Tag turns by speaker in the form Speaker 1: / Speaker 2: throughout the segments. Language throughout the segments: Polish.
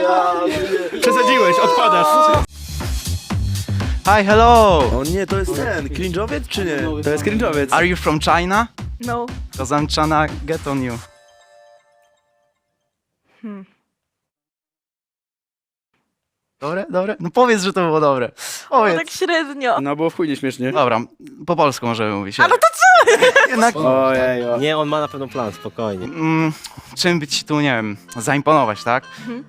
Speaker 1: Przesadziłeś, odpadasz. Hi, hello.
Speaker 2: O nie, to jest ten, cringe'owiec czy nie?
Speaker 1: To jest cringe'owiec. Are you from China?
Speaker 3: No.
Speaker 1: Because I'm tryna get on you. Dobre, dobre? No powiedz, że to było dobre.
Speaker 3: No
Speaker 1: Powiedz.
Speaker 3: tak średnio.
Speaker 4: No było w chuj nieśmiesznie.
Speaker 1: Dobra, po polsku możemy mówić.
Speaker 3: A no to co?
Speaker 1: Jednak,
Speaker 4: Ojej,
Speaker 2: Nie, on ma na pewno plan, spokojnie.
Speaker 1: czym by ci tu, nie wiem, zaimponować, tak?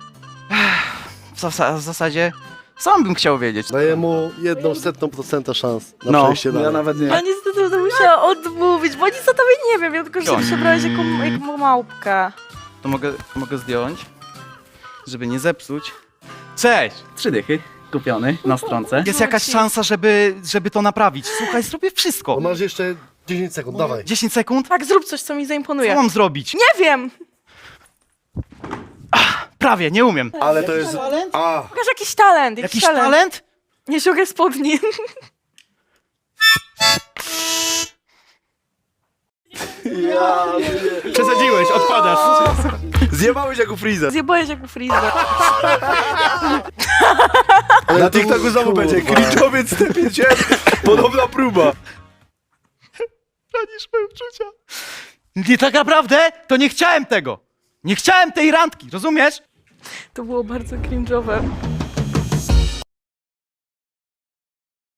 Speaker 1: W zasadzie sam bym chciał wiedzieć.
Speaker 5: Daję mu 0,01% szans na
Speaker 1: No.
Speaker 5: przejście dalej.
Speaker 4: ja nawet nie.
Speaker 3: Ja niestety będę musiała odmówić, bo nic o tobie nie wiem. Ja tylko, że ty się brałeś jako małpka.
Speaker 1: To mogę zdjąć, żeby nie zepsuć. Cześć! 3 dychy kupiony na stronce. Jest jakaś szansa, żeby to naprawić. Słuchaj, zrobię wszystko.
Speaker 5: To masz jeszcze 10 sekund, dawaj.
Speaker 1: 10 sekund?
Speaker 3: Tak, zrób coś, co mi
Speaker 1: Co
Speaker 3: zaimponuje.
Speaker 1: mam zrobić?
Speaker 3: Nie wiem!
Speaker 1: Prawie, nie umiem.
Speaker 5: Ale to jest... A,
Speaker 3: Pokaż jakiś talent.
Speaker 1: Jakiś talent?
Speaker 3: Nie sięgaj spodni.
Speaker 1: Przesadziłeś, odpadasz.
Speaker 2: Zjebałeś jak u Freeza.
Speaker 3: Zjebałeś jak u Freeza.
Speaker 2: Na TikToku znowu będzie cringe'owiec TP1. Podobna próba.
Speaker 1: Ranisz moje uczucia. Nie, tak naprawdę to nie chciałem tego. Nie chciałem tej randki, rozumiesz?
Speaker 3: To było bardzo cringe'owe.